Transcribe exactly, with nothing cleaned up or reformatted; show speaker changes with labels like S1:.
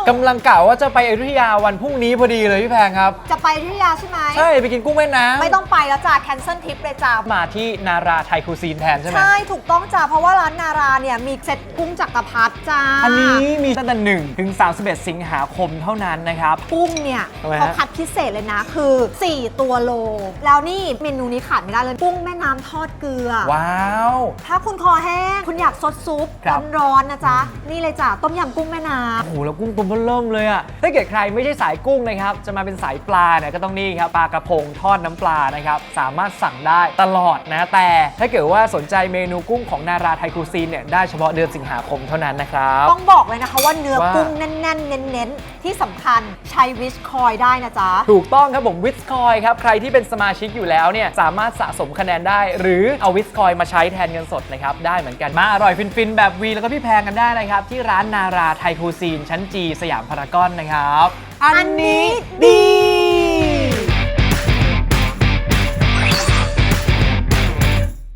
S1: กำลังกล่าวว่าจะไปอยุธยาวันพรุ่งนี้พอดีเลยพี่แพงครับ
S2: จะไปอยุธยาใช่ไหม
S1: ใช่ไปกินกุ้งแม่น้ำ
S2: ไม่ต้องไปแล้วจ้าแคนเซิลทริปเลยจ้า
S1: มาที่นาราไทยคูซีนแทนใช่ไหม
S2: ใช่ถูกต้องจ้าเพราะว่าร้านนาราเนี่ยมีเซ็ตกุ้งจักรพรรดิจ้า
S1: อันนี้มีตั้งแต่หนึ่งถึงสามสิบเอ็ดสิงหาคมเท่านั้นนะครับ
S2: กุ้งเนี่ยเขาคัดพิเศษเลยนะคือสี่ตัวโลแล้วนี่เมนูนี้ขาดไม่ได้เลยกุ้งแม่น้ำทอดเกลือ
S1: ว้าว
S2: ถ้าคุณคอแห้งคุณอยากซดซุปร้อนๆนะจ๊ะนี่เลยจ้ะต้มยำกุ้งแม่น้ำ
S1: โอ้โหแล้วกุ้งตัวเริ่มเลยอะถ้าเกิดใครไม่ใช่สายกุ้งนะครับจะมาเป็นสายปลาเนี่ยก็ต้องนี่ครับปลากระพงทอดน้ำปลานะครับสามารถสั่งได้ตลอดนะแต่ถ้าเกิดว่าสนใจเมนูกุ้งของนาราไทยคูซีนเนี่ยได้เฉพาะเดือนสิงหาคมเท่านั้นนะครับ
S2: ต้องบอกเลยนะคะว่าเนื้อกุ้งแน่นๆเน้นๆที่สำคัญใช้วิชคอยได้นะจ๊ะ
S1: ถูกต้องครับผมวิชคอยครับใครที่เป็นสมาชิกอยู่แล้วเนี่ยสามารถสะสมคะแนนได้หรือเอาวิชคอยมาใช้แทนเงินสดนะครับได้เหมือนกันมาอร่อยฟินๆแบบวีแล้วก็พี่แพงกันได้นะครับที่ร้านนาราไทยคูซีนชั้นจีสยามพารากอนนะครับ
S2: อันนี้ดี